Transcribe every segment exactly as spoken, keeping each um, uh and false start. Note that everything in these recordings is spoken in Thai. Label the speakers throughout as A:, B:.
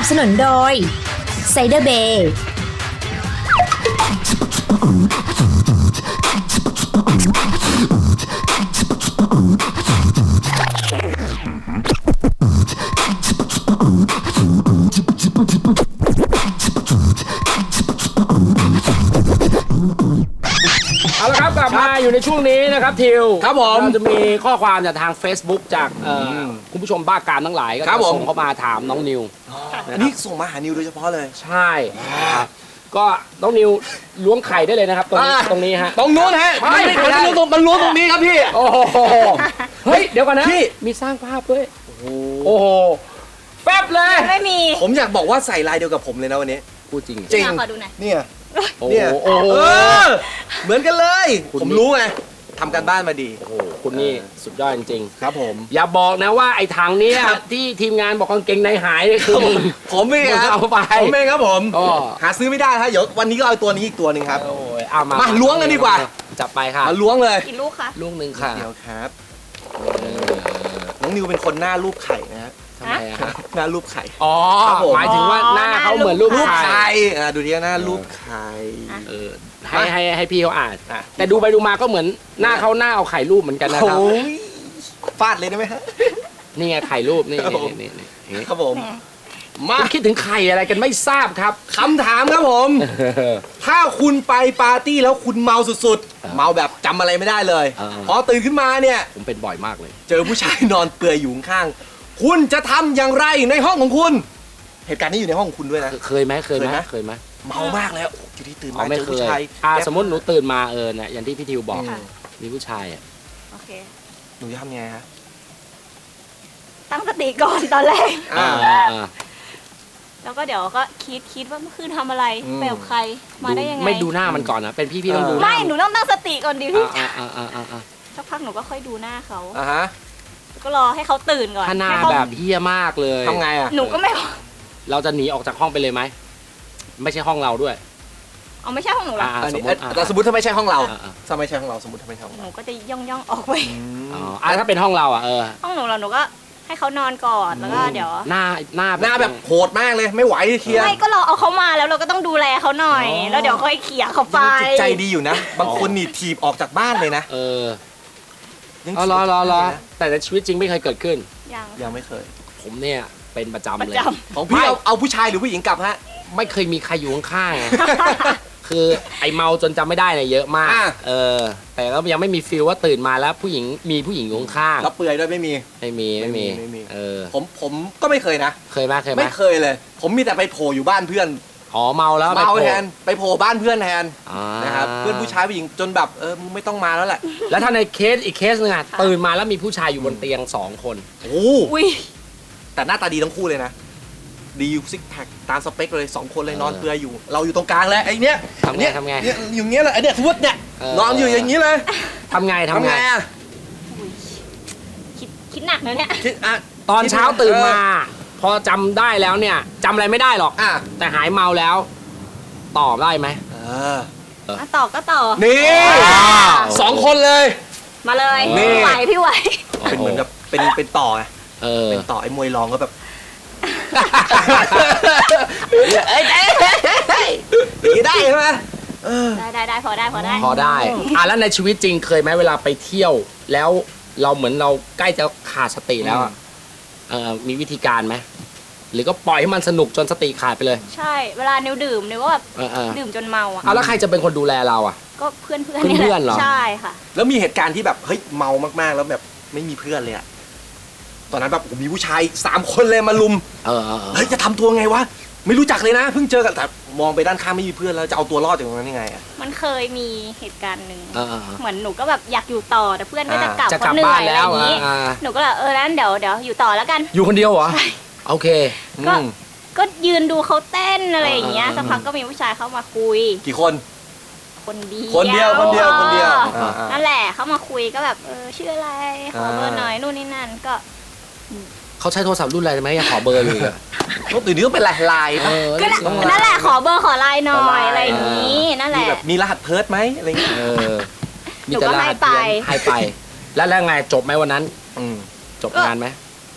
A: บสนุนโดยไซเดอร์เบย์
B: เอาละครับกลับมาอยู่ในช่วงนี้นะครับทิว
C: ครับผม
B: เราจะมีข้อความจากทาง Facebook จากเอ่อคุณผู้ชมบ้าการทั้งหลายก็
C: ครั
B: จะ
C: บผม
B: ส่งเข้ามาถามน้องนิว
C: อันนี้ส่งมาหานิวโดยเฉพาะเลย
B: ใช่ครับก็น้องนิวล้วงไข่ได้เลยนะครับ ตรงนี้
C: อ่า
B: ตรงนี้ฮะ
C: ตรงนู้นฮะ
B: ไม่
C: มัน
B: ไม่
C: มันล้วงตรงมันล้วงตรงนี้ครับพี่
B: โอ้โหเฮ้ยเดี๋ยวก่อนนะ
C: พี่
B: มีสร้างภาพด้วยโอ้โหแป๊บเลย
D: ไม่มี
C: ผมอยากบอกว่าใส่ลายเดียวกับผมเลยนะวันนี้
B: พูดจริง
C: จริง
D: ขอดูหน่อย
C: เนี่ย
B: โอ้โห
C: เนี่ย
B: โอ้โห
C: เออเหมือนกันเลย
B: คุณ
C: ผมรู้ไงทำการบ้านมาดี
B: โอ้โหคุณนี่สุดยอดจริง
C: ครับผม
B: ๆอย่าบอกนะว่าไอ้ถังเนี้ยที่ทีมงานบอกกางเกงในหายนี่คือมึง
C: ผมเองครับ
B: เอาไป
C: ผมเองครับผม
B: อ๋อ
C: หาซื้อไม่ได้ครับเดี๋ยววันนี้ก็เอาตัวนี้อีกตัวหนึ่งครับ
B: โอ้ยเอามา
C: มาล้วงกันดีกว่า
B: จับไปค่ะ
C: มาล้วงเลย
D: กี่ลูกคะ
B: ลูกหนึ่งค่ะ
C: เดี๋ยวครับน้องนิวเป็นคนหน้ารูปไข่นะฮะ
B: ทำไมอะครับ
C: หน้ารูปไข่
B: อ๋อ
C: ครับผม
B: หมายถึงว่าหน้าเขาเหมือนรูป
C: รูป
B: ไข่
C: ไข่อ่ะดูดิหน้ารูปไข่
B: เออให้ให้ให้พี่เขาอ่าน
C: อ่ะ
B: แต่ดูไปดูมาก็เหมือนหน้าเขาหน้าเอาไข่รูปเหมือนกันนะครับ
C: โอ้ยฟาดเลยได้ไหมฮะ
B: นี่ไงไข่รูปนี่
C: ครับผม
B: นี่นี่นี่
C: ครับผม
B: มา
C: มา
B: คิดถึงไข่อะไรกันไม่ทราบครับ
C: คำถามครับผม ถ้าคุณไปปาร์ตี้แล้วคุณเมาสุดๆ เมาแบบจำอะไรไม่ได้เลย
B: เออ
C: พอตื่นขึ้นมาเนี่ย
B: ผมเป็นบ่อยมากเลย
C: เจอผู้ชายนอนเปลือยอยู่ข้างๆคุณจะทำอย่างไรในห้องของคุณ เหตุการณ์นี้อยู่ในห้องของคุณด้วยนะ
B: เคยไหมเคยไหม
C: เคยไหม
B: เคยไหม
C: เมามากแล้วโอ้โหอยู่ที่ตื่น
B: อ๋อ
C: มา
B: ไม่
C: เจอ
B: เค
C: ผู้
B: ย
C: ชาย
B: อ่าสมมติหนูตื่นมาเออเนี่ยอย่างที่พี่ทิวบอก
C: อืม
B: มีผู้ชายอ่ะ
D: โอเค
C: หนูจะทำยังไงฮะ
D: ตั้งสติก่อนตอนแรก
C: อ่า
B: อ่า
D: แล้วก็เดี๋ยวก็คิดคิดว่าเมื่อคืนทำอะไร
C: อืม
D: ไปกับใคร มาได้ยังไง
B: ไม่ดูหน้ามันก่อนนะเป็นพี่พี่ต้องดูหน้า
D: ไม่ หนูต้องตั้งสติก่อนดิพี่
B: อ่าอ่าอ่าอ่าอ่า
D: สักพักหนูก็ค่อยดูหน้าเขา
C: อ่าฮะ
D: ก็รอให้เขาตื่นก่อน
B: ถ้าหน้า
D: ให้เข
B: แบบเฮี้ยมากเลย
C: ทำไงอ่ะ
D: หนูก็ไม่
B: เราจะหนีออกจากห้องไปเลยไหมไม่ใช่ห้องเราด้วย
D: เอาไม่ใช่ห้องหนูหรอก
B: อ่า
C: อันนี้
B: สมมุติอ่ะ
C: แต่สมมติถ้าไม่ใช่ห้องเรา
B: อ่าอ่า
C: ถ้าไม่ใช่ห้องเราสมมติถ้าไม่ใช่ห้อง
D: ห
C: เรา
D: นูก็จะย่องย่องๆออกไป
B: อ๋ออ่ะถ้าเป็นห้องเราอ่ะเออ
D: ห้องหนูเราหนูก็ให้เขานอนก่อนแล้วก็เดี๋ยว
B: หน้าหน้า
C: หน้าแบบโหดมากเลยไม่ไหวเคลียร์
D: ไม่ก็เราเอาเขามาแล้วเราก็ต้องดูแลเขาหน่อย
C: อ๋อ
D: แล้วเดี๋ยวค่อยเขี่ยเขาไป
C: จิตใจดีอยู่นะ บางคนนี่ถีบออกจากบ้านเลยนะ
B: เออ
C: ยัง
B: เอารอรอรอแต่ในชีวิตจริงไม่เคยเกิดขึ้น
D: ยัง
C: ยังไม่เคย
B: ผมเนี่ยเป็นประจำ
D: ประ
B: เลย
D: จ
C: ของพี่เอาเอาผู้ชายหรือผู้หญิงกลับฮะ
B: ไม่เคยมีใครอยู่ข้างๆไง คือไอเมาจนจำไม่ได้เนี่ยเยอะมาก
C: อ่ะ
B: เออ แต่ก็ยังไม่มีฟีลว่าตื่นมาแล้วผู้หญิงมีผู้หญิงอยู่ข้าง
C: แล้วเปลือยด้วยไม่มี
B: ๆไม่มีไม่มี
C: ไม่มี
B: เออ
C: ผมผมก็ไม่เคยนะ
B: เคยไหมเคยไหม
C: ไม่เคยเลย ผมมีแต่ไปโผล่อยู่บ้านเพื่อน
B: อ๋อเมาแล้ว
C: เมา
B: ไปโผล่
C: แทนไปโผล่บ้านเพื่อนแทน
B: อ่า
C: นะครับเพื่อนผู้ชายผู้หญิงจนแบบเออมึงไม่ต้องมาแล้วแหละ
B: แล้วถ้าในเคสอีกเคสหนึงอะตื่นมาแล้วมีผู้ชายอยู่บนเตียงสองคน
C: โอ้
D: ำอุ้ย
C: แต่หน้าตาดีทั้งคู่เลยนะ ดีซิกแพคตามสเปคเลยสองคนเลยนอนเปลือยอยู่ เราอยู่ตรงกลางแล้วไอ้เนี้ย
B: ทำไง
C: เนี่ย
B: ทำไง
C: เนี่ยอยู่เงี้ยเลยไอ้เนี่ยสมมติเนี่ย
B: เออ
C: นอนอยู่อย่างนี้เลย
B: ทำไงทำไง
C: อะ
D: คิดคิดหนักนะเนี่ย
C: คิดอ่ะ
B: ตอนเช้าตื่นมา
C: เอ
B: พอจำได้แล้วเนี่ยจำอะไรไม่ได้หรอก
C: อ่ะ
B: แต่หายเมาแล้วตอบได้ไหม
C: เออ
D: อ่ะต่อก็ต่อ
C: นี่
B: ว้าว
C: สองคนเลย
D: มาเลย
C: นี่
D: พี่ไหวพี่ไหว
C: เป็นเหมือนกับเป็นเป็นต่อไง
B: เออ
C: เป็นต่อไอ้มวยรองก็แบบ
B: เอ้ยเอ้ยเอ้ยเอ้ย
C: อย่างนี้ได้ใช่ไหมเออ
D: ได้ได้ได้พอได้พอได้
B: พอได้อ่ะแล้วในชีวิตจริงเคยไหมเวลาไปเที่ยว แล้วเราเหมือนเราใกล้จะขาดสติแล้วอะเออมีวิธีการไหมหรือก็ปล่อยให้มันสนุกจนสติขาดไปเลย
D: ใช่เวลานิวดื่มนิวก็แบบ
B: เออเออ
D: ดื่มจนเมาอ่ะ
B: เอาแล้วใครจะเป็นคนดูแลเราอ่ะ
D: ก็เพื่อนเพื่อน
B: เพื่อนๆเหรอ
D: ใช่ค่ะ
C: แล้วมีเหตุการณ์ที่แบบเฮ้ยเมามากๆแล้วแบบไม่มีเพื่อนเลยอะตอนนั้นแบบโอ้โหมีผู้ชายสามคนเลยมาลุม
B: เออเออเออ
C: เฮ้ยจะทำตัวไงวะไม่รู้จักเลยนะเพิ่งเจอกันแต่มองไปด้านข้างไม่มีเพื่อนแล้วจะเอาตัวรอดจากตรงนั้นยังไงอะ
D: มันเคยมีเหตุการณ์หนึ่ง
B: เออเออเออ
D: เหมือนหนูก็แบบอยากอยู่ต่อแต่เพื่อนก็จะ
C: อ่า
D: กลับ
B: จะ
D: เพ
B: กลับ
D: ราะเหนื่
B: บ้า
D: อน ยอะไร
B: แล้
D: อ
B: ว
D: ย่างนี้
B: อ่า
D: หนูก็แบบเออนั้นเดี๋ยวเดี๋ยวอยู่ต่อแล้วกัน
B: อยู่คนเดียวเหรอโอเค
D: ก็
C: อืม
D: ก็ยืนดูเขาเต้นอะไรอย่างเงี้ย
B: อ่า
D: สักพักก็มีผู้ชายเข้ามาคุย
C: กี่คน
D: คนเดียว
C: คนเดียวคนเดียวคนเดียว
D: ออ
C: อ่าอ่า
D: นั่นแหละเขามาคุยก็แบบเออชื่ออะไรขอเบอร์
C: อ่า
D: หน่อยนู่นนี่นั่นก็
B: เขาใช้โทรศัพท์รุ่นอะไรไหมยังขอเบอร์อยู่เลย
C: ต้องตื่นนี้ต้องเป็นลายลาย
B: เอ
C: ปะ
B: อ
D: ก็
B: ต้อง
D: นั่นแหละขอเบอร์ขอไลน์หน่
C: ขอ
D: อ
C: ไล
D: ย
C: น์
D: อะไรอย่างนี้นั่นแห
C: มี
D: ละ
C: แบบมีรหัสเพิร์ดไหมอะไรอย่างเงี้ย
B: เออ
D: หนูก็ให้ไป
B: ให้ไป แล้วแล้วไงจบไหมวันนั้น
C: อืม
B: จบงานไหม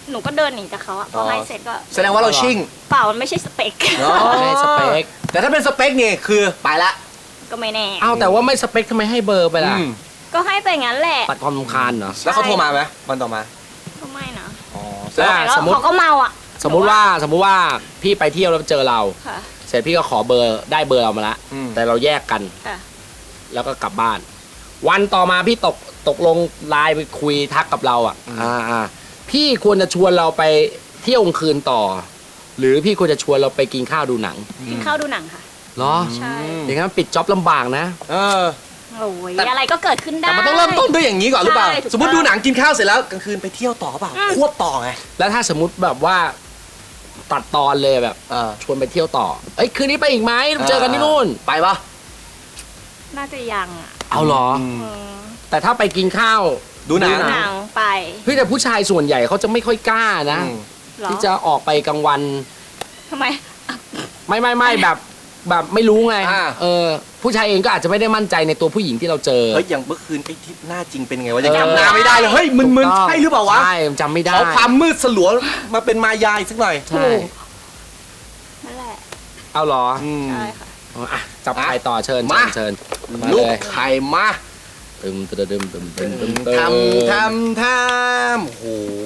D: หนูก็เดินหนีจากเขาอะพอให้เสร็จก็
C: แสดงว่าเราชิ่ง
D: เปล่ามันไม่ใช่สเปค
C: อ๋อ
B: ไม่ได้สเปค
C: แต่ถ้าเป็นสเปคนี่คือไปละ
D: ก็ไม่แน่
B: เอาแต่ว่าไม่สเปคทำไมให้เบอร์ไปล่ะ
C: อืม
D: ก็ให้ไปงั้นแหละ
B: ปัดความรำคาญเหรอ
C: แล้วเขาโทรมาไหมวันต่อมา
D: ก็ไม่นะ
C: อ๋อ
B: แล้ว
D: แล้ว
B: สมมติ
D: เขาก็เมาอ่ะ
B: สมมุติว่าสมมุติว่าพี่ไปเที่ยวแล้วเจอเรา
D: ค่ะ
B: เสร็จพี่ก็ขอเบอร์ได้เบอร์เรามาละ
C: อืม
B: แต่เราแยกกัน
D: ค่ะ
B: แล้วก็กลับบ้าน วันต่อมาพี่ตกตกลงไลน์ไปคุยทักกับเราอ่ะอ่าอ่าพี่ควรจะชวนเราไปเที่ยวกลางคืนต่อ หรือพี่ควรจะชวนเราไปกินข้าวดูหนัง
D: กินข้าวดูหนังค่ะ
B: เหรอ
D: ใช่
B: อย่างนั้นปิดจ็อบลำบากนะ
C: เออ
D: โอ้ย
C: แต่
D: อะไรก็เกิดขึ้นได้
C: แต่มันต้องเริ่มต้นด้วยอย่างนี้ก่อนหรือเปล่า
D: ใช่ถูกต้อง
C: สมมติดูหนังกินข้าวเสร็จแล้วกลางคืนไปเที่ยวต่อเปล่า
D: อืม
C: ควบต่อไง
B: แล้วถ้าสมมติแบบว่าตัดตอนเลยแบบ
C: เออ
B: ชวนไปเที่ยวต่อ เอ้ยคืนนี้ไปอีกไหมเจอกันที่นู่น
C: ไปปะ
D: น่าจะยังอ่ะ
B: เอาเหรอ
C: อืม
D: อืม
B: แต่ถ้าไปกินข้าว
C: ดูหนัง
D: หนังไป
B: เฮ้ยแต่ผู้ชายส่วนใหญ่เขาจะไม่ค่อยกล้านะ
C: อืม
D: เหรอ
B: ที่จะออกไปกลางวัน
D: ทำไม
B: ไม่ไม่ไม่แบบแบบไม่รู้ไง
C: อ่า
B: เออผู้ชายเองก็อาจจะไม่ได้มั่นใจในตัวผู้หญิงที่เราเจอ
C: เฮ้ยอย่างเมื่อคืนไอ้ที่หน้าจริงเป็นไงวะยัง
B: เออ
C: จำหน้าไม่ได้เลยเฮ้ยมึน
B: ถูก
C: ๆ
B: ต้อง
C: ใช่หรือเปล่าวะ
B: ใช่จำไม่ได้
C: ขอความมืดสลัวมาเป็นมายาอีกสักหน่อย
B: ใช่
D: นั่นแหละ
B: เอาเหรอ
C: อืม
D: ใช่ค่ะ
B: อ๋ออ่ะจับไข่ต่อเชิญ
C: มา
B: เชิญเชิญมา
C: ลูก
B: เลย
C: ไข่มา
B: ตึมตึมตึมตึมตึมตึมตึม
C: ทำทำทำโอ้โห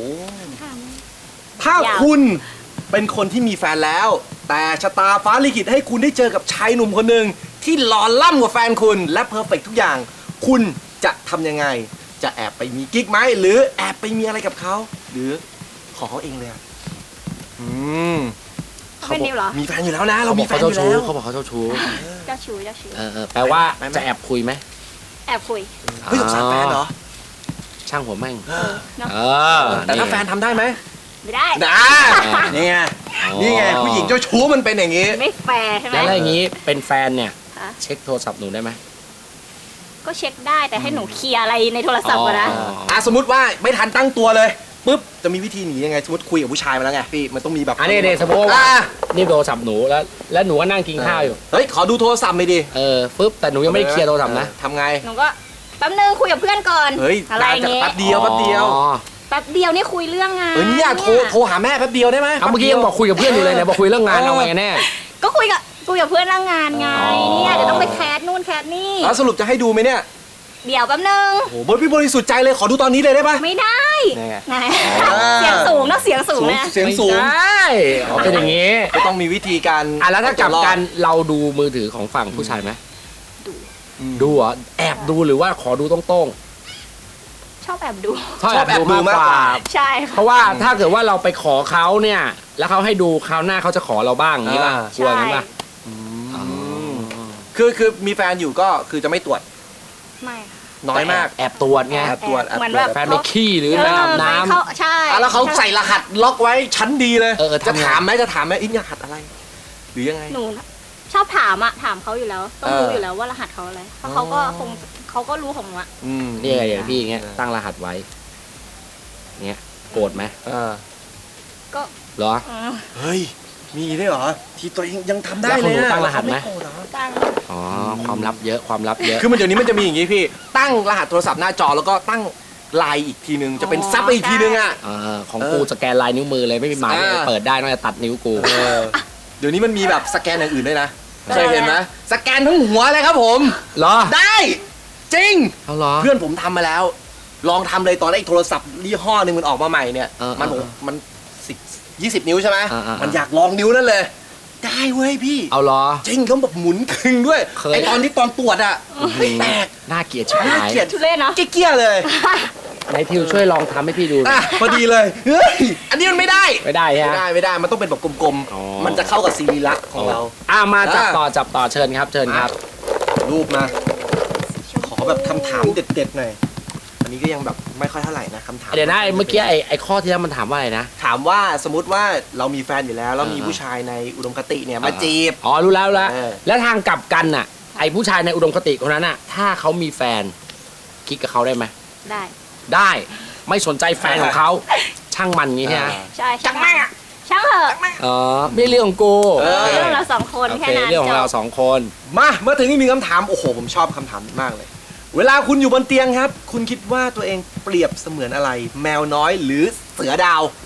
C: ถ้าย
D: าว
C: คุณเป็นคนที่มีแฟนแล้ว แต่ชะตาฟ้าลิขิตให้คุณได้เจอกับชายหนุ่มคนหนึ่งที่หล่อล่ำกว่าแฟนคุณและเพอร์เฟกทุกอย่าง คุณจะทำยังไง จะแอบไปมีกิ๊กไหมหรือแอบไปมีอะไรกับเขาหรือขอเขาเองเลยอะอืม
D: เป็นนิวเหรอ
C: มีแฟนอยู่แล้วนะ เรา
B: เขาบ
C: มี
B: อก
C: แฟ
B: เขา
C: นอ
B: เจ้า
C: ยู่
B: ชู้
C: แล้ว
B: เขาบอกเขาเจ้าชู้
D: เจ้าชู้เจ้าชู้
B: เออเออแปลว่า
C: ไปไหม
B: จะแอบคุยไหม
D: แอบคุย
C: เฮ้ยสงสารแฟนเหรอ
B: ช่างหัวแม่ง
C: เออ
D: เนาะ
B: เออ
C: แต่ถ้าแฟนทำได้ไหม
D: ไม่ได้
C: นะนี่ไงนี่ไงผู้หญิงเจ้าชู้มันเป็นอย่างนี้
D: ไม่แฟร์ใช่ไหม
B: แล้วอะไรอย่างนี้เป็นแฟนเนี่ย
D: คะ
B: เช็คโทรศัพท์หนูได้ไหม
D: ก็เช็คได้แต่ให้หนูเคลียร์อะไรในโทรศัพท์ก่อนนะ
B: อ๋อ
C: อ่ะสมมติว่าไม่ทันตั้งตัวเลยปุ๊บจะมีวิธีหนียังไงสมมติคุยกับผู้ชายมาแล้วไงพี่มันต้องมีแบบ
B: อันนี้เนี่ยสมมติว่า
C: อ่ะ
B: นี่โทรศัพท์หนูแล้ว แล้วหนูก็นั่งกินข้าวอยู่
C: เฮ้ยขอดูโทรศัพท์หน่อยดิ
B: เออฟึบแต่หนูยังไม่ได้เคลียร์โทรศัพท์นะ
C: เออทำไง
D: หนูก็แป๊บนึงคุยกับเพื่อนก่อน
C: เฮ้ย
D: อะไรอย่างเงี้ย
C: แป๊บเดียวแป๊บเดียว
B: อ๋อ
D: แป๊บเดียวนี่คุยเรื่องงาน
C: เออเนี่ยโทรโทรหาแม่แป๊บเดียวได้ไหม
B: เอาเมื่อกี้ยังบอกคุยกับเพื่อนอยู่เลยเนี่ยบอกคุยเรื่องงานเอาไงกันแน่
D: ก็คุยกับคุยกับเพื่อนเรื่องงานไง
B: อ๋อ
D: เนี่ยเดี๋ยวต้องไปแคสนู่นแคสนี่
C: แล้วสรุปจะให้ดูไหมเนี่ย
D: เดี๋ยวแป๊บนึง
C: โอ้โหบนพี่บริสุทธิ์ใจเลยขอดูตอนนี้เลยได้ปะ
D: ไม่ได้
C: แน่
D: ไง
C: อ๋อ
D: เสียงสูงนะเสียงสูงนะ
C: เสียงสูง
B: ไม่ได้อ๋อเป็นอย่างนี้
C: ก็ต้องมีวิธีการ
B: อ่ะแล้วถ้ากลับกันเราดูมือถือของฝั่งผู้ชายไหม
C: อืม
B: ดูเหรอแอบดูหรือว่าขอดูตรง
D: ชอบแอบดู
B: ๆชอบแอบดูมากกว่า
D: ใช่
B: เพ
D: ค่ะ
B: ราะว่าถ้าเกิดว่าเราไปขอเขาเนี่ย แล้วเขาให้ดูคราวหน้าเขาจะขอเราบ้างอย่างนี้ป่ะกลัวงั้นป่ะ
C: อืมคือคือมีแฟนอยู่ก็คือจะไม่ตรวจ
D: ไม่ค่ะ
C: น้อยมาก
B: แอบตรวจไง
C: แอบตรวจแอบตรวจ
D: เหมือนแบบ
B: แฟนไปขี้หรือไปอาบน้
D: เออเขาใช่
C: อ่ะแล้วเขาใส่รหัสล็อกไว้ชั้นดีเลย
B: เออเออ
C: จะ
B: ทำไง
C: ถามไหมจะถามไหมอินรหัสอะไร หรือยังไง
D: หนูชอบถามอะถามเขาอยู่แล้ว ต้อง
C: เออ
D: รู้อยู่แล้วว่ารหัสเขาอะไรเพราะเขาก็
C: อ๋อ
D: คงเขาก็รู้ของหนูอะ
C: อืม
B: ำนี่ไงอย่างพี่อย่างเงี้ยตั้งรหัสไว้เงี้ยโกรธไหม
C: เออ
D: ก็
B: เหรอ
D: อืม
C: เฮ้ย มีได้วยเหรอ ที่ตัวเองยังทำได้
B: แล้ว
C: เลย
B: ของหนู
C: นะ
B: ตั้งรหัสไหม
C: เขาโกธเหรอ
D: ตั้ง
B: อ๋อความลับเยอะความลับเยอะ
C: คือมันเดี๋ยวนี้มันจะมีอย่างงี้พี่ ตั้งรหัสโทรศัพท์หน้าจอแล้วก็ตั้งไลน์อีกทีนึง จะเป็นซับไปอีกทีนึงอ่ะ
B: เออของ
C: เออ
B: กูสแกนลายนิ้วมือเลยไม่มีหมาย
C: อ่า
B: เปิดได้นอกจากตัดนิ้วกู
C: เออเดี๋ยวนี้มันมีแบบสแกนอย่างอื่นด้วยนะ
D: ได้
C: เคยเห็นไหมสแกนทั้งหัวเลยครับผม
B: เหรอ
C: ได้ จริง
B: เอาเหรอ
C: เพื่อนผมทำมาแล้ว ลองทำเลยตอนแรกโทรศัพท์ยี่ห้อหนึ่งมันออกมาใหม่เนี่ย
B: เออ
C: มัน
B: เออ
C: มันสิบยี่สิบนิ้วใช่ไหม
B: เออเออ
C: มันอยากลองนิ้วนั่นเลย ได้เว้ยพี่
B: เอาเหรอ
C: จริงเขาแบบหมุนคึงด้วย
B: เคย
C: ไอตอนที่ตอนตรวจอะไม่แตก
B: น่าเกลียดชิบ
C: น่า
B: หาย
C: เกลียด
D: ทุเรศเนาะ
C: เกี้ยๆเลย
B: ไหนทิวช่วยลองทำให้พี่ดูหน่
C: อ่ะ
B: อย
C: พอดีเลยเฮ้ยอันนี้มันไม่ได้
B: ไม่ได้
C: ไม่
B: ฮะ
C: ได้ไม่ได้มันต้องเป็นแบบกลม
B: อ๋อ
C: ๆมันจะเข้ากับซีรีลักษณ์ของเรา
B: อ่ามาจับ
C: อ่า
B: ต่อจับต่อเชิญครับ เชิญครับ
C: รูปมา ขอแบบคำถามเด็ดๆหน่อยอันนี้ก็ยังแบบไม่ค่อยเท่าไหร่นะคำถาม
B: เดี๋ยวนะไอ้เมื่อกี้ไอ้ไอ้ข้อที่แล้วมันถามว่าอะไรนะ
C: ถามว่าสมมติว่าเรามีแฟนอยู่แล้วแล้วมี
B: อ่า
C: ผู้ชายในอุดมคติเนี่ยมาจีบ
B: อ๋อรู้แล้วรู้แล้ว
C: เออ
B: แล้วทางกลับกันน่ะ ไอ้ผู้ชายในอุดมคติคนนั้นน่ะ ถ้าเขามีแฟนคิดกับเขาได้ไหม
D: ได้
B: ได้ไม่สนใจแฟนของเขาช่างมันงี้ใช่ไหม
D: ใช่ช่างแม่งอะช่างเถอะ
B: อ๋อไม่เรื่องของกู
C: เออ
D: เรื่องของเราสองคน
B: โอ
D: แค่
B: เค
D: นั้น
B: เรื่องของเรา
D: จบ
B: สองคน
C: มาเมื่อถึงนี่มีคำถามโอ้โหผมชอบคำถามนี้มากเลย เวลาคุณอยู่บนเตียงครับ คุณคิดว่าตัวเองเปรียบเสมือนอะไร แมวน้อยหรือเสือดาว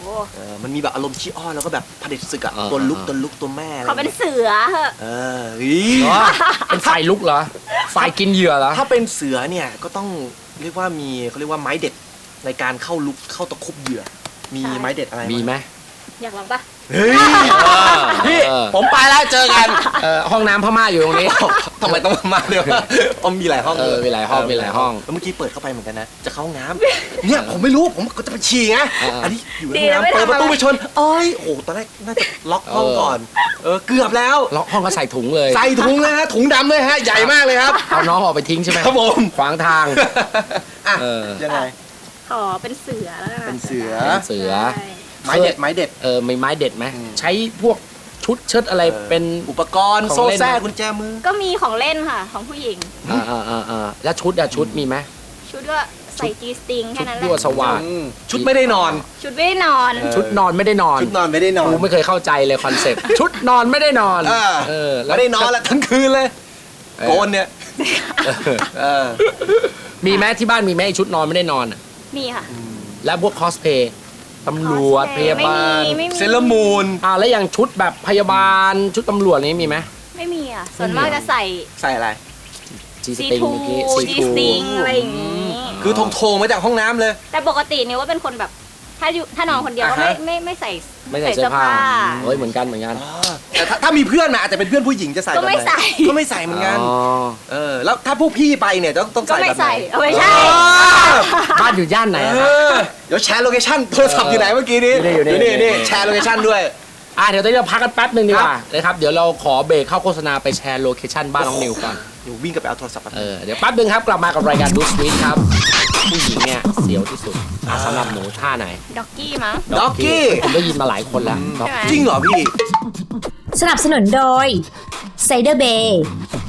C: เออมันมีแบบอารมณ์ขี้อ้อนแล้วก็แบบเผด็จศึกอะ
B: อ่า
C: ตัวลุก
B: อ่า
C: ตัวลุกตัวแม่อะไร
D: เขาเป็นเสือเหอะ
C: เออเฮ้ย
B: เหรอเป็นฝ่ายลุกเหรอฝ่ายกินเหยื่อเหรอ
C: ถ้าเป็นเสือเนี่ยก็ต้องเรียกว่ามีเขาเรียกว่าไม้เด็ดในการเข้าลุกเข้าตะคุบเหยื่อ มีไม้เด็ดอะไร
B: มีไหม
D: อยากลองปะ
C: เฮ้ย พี่
B: เออ
C: ผมไปแล้วเจอกัน
B: เอ่อห้องน้ำพม่าอยู่ตรงนี้
C: ทำไมต้องมาเร็วอ๋อมีหลายห้อง
B: เออมีหลายห้องมีหลายห้อง
C: แล้วเมื่อกี้เปิดเข้าไปเหมือนกันนะ จะเข้าห้องน้ำเนี่ยผมไม่รู้ผมก็จะไปฉี่ไง
B: อ่า
C: อันนี้อยู่ในห้องน้ำเปิดประตูไปชนเอ้ยโอ้ตอนแรกน่าจะล็อกห้องก่อน เออเกือบแล้ว
B: ล็อกห้องก็ใส่ถุงเลย
C: ใส่ถุงเลยฮะถุงดำเลยฮะใหญ่มากเลยครับ
B: เอาน้องออกไปทิ้งใช่ไหม
C: ครับผม
B: ขวางทาง
C: อ่ะ
B: เออ
C: ยังไง
D: ขอเป็นเสือแล้วกัน
C: เป็นเสือ
B: เป็นเสือ
D: ใช่
C: ไม้เด็ดไม้เด็ด
B: เออมีไม้เด็ดไหม
C: อืม
B: ใช้พวกชุดเชิดอะไรเป็น
C: อุปกรณ์
B: ของ
C: โซ่
B: เล่น
C: แทรกกุญแจมือ
D: ก็มีของเล่นค่ะ ของผู้หญิง
B: อ่าอ่าอ่าอ่าแล้วชุดอะชุดมีไหม
D: ชุดก็ใส่จีสติงแค่นั้นแห
B: ยั่ว
D: ละ
B: สว่าง
C: อืมชุดไม่ได้นอน
D: ชุดไม่ได้นอน
C: เออ
B: ชุดนอนไม่ได้นอน
C: ชุดนอนไม่ได้นอน
B: กูไม่เคยเข้าใจเลยคอนเซ็ปต์ ชุดนอนไม่ได้นอน
C: เออ
B: เออ
C: ไม่ได้นอนละทั้งคืนเลย
B: เออ
C: โกนเนี่ยเออ
B: มีไหมที่บ้านมีไหมไอ้ชุดนอนไม่ได้นอนอะ
D: มีค่ะ
B: แล้วพวกคอสเพย์ตำรวจพยาบาล
D: ไม่มีไม่มี
C: เซเลอร์มูน
B: อ่าแล้วอย่างชุดแบบพยาบาลชุดตำรวจนี้มีไหม
D: ไม่มีอ่ะ ส่วนมากจะใส่
C: ใส่อะไร
B: จีส
D: ซี
B: ติง
D: ทู
B: เมื่อกี้
D: จีสติงอะไรอย่างงี้
C: คือทงโทงมาจากห้องน้ำเลย
D: แต่ปกติเนี่ยว่าเป็นคนแบบถ้าอยู่ถ้านอนคนเดียวก็ไม่
C: อ่าฮะ
D: ไม่ไม่ใส่
B: ไม่ใส่เสื้อผ้าเฮ้ยเหมือนกันเหมือนกัน
C: แต่ถ้าถ้ามีเพื่อนมาอาจจะเป็นเพื่อนผู้หญิงจะใส่
D: ก็ไม่
C: แบบหน
D: ใส่
C: ก็ไม่ใส่เหมือนกัน
B: อ๋อ
C: เออแล้วถ้าพวกพี่ไปเนี่ยต้องต้อง
D: ก็
C: ใส่
D: ไม่
C: แบบไหน
D: ใส่เอาไม่ใช่
B: บ้านอยู่ย่านไหน
C: เอ
B: อะครับ
C: อเดี๋ยวแชร์โลเคชั่นโทรศัพท์อยู่ไหนเมื่อกี้นี้
B: อยู่นี่อยู่นี่
C: นี่นี่แชร์โลเคชั่นด้วย
B: อ่ะเดี๋ยวตอนนี้เราพักกันแป๊บหนึ่งดีกว่านะครับเดี๋ยวเราขอเบรกเข้าโฆษณาไปแชร์โลเคชั่นบ้านน้องนิวก่อน
C: เดี๋ยววิ่งกลับไปเอาโทรศัพท์มา
B: เออเดี๋ยวแป๊บหนึ่งครับกลับมากับรายการดูสวีทครับผู้หญิงเนี่ยเสียวที่สุดอ่ะสำหรับหนูท่าไหน
D: ด็อกกี้มั้ง
C: ด็อกกี้
B: ผมได้ยินมาหลายคนแล้ว
D: ใช่ไหม
C: จริงเหรอพี่
A: สนับสนุนโดยไซเดอร์เบย์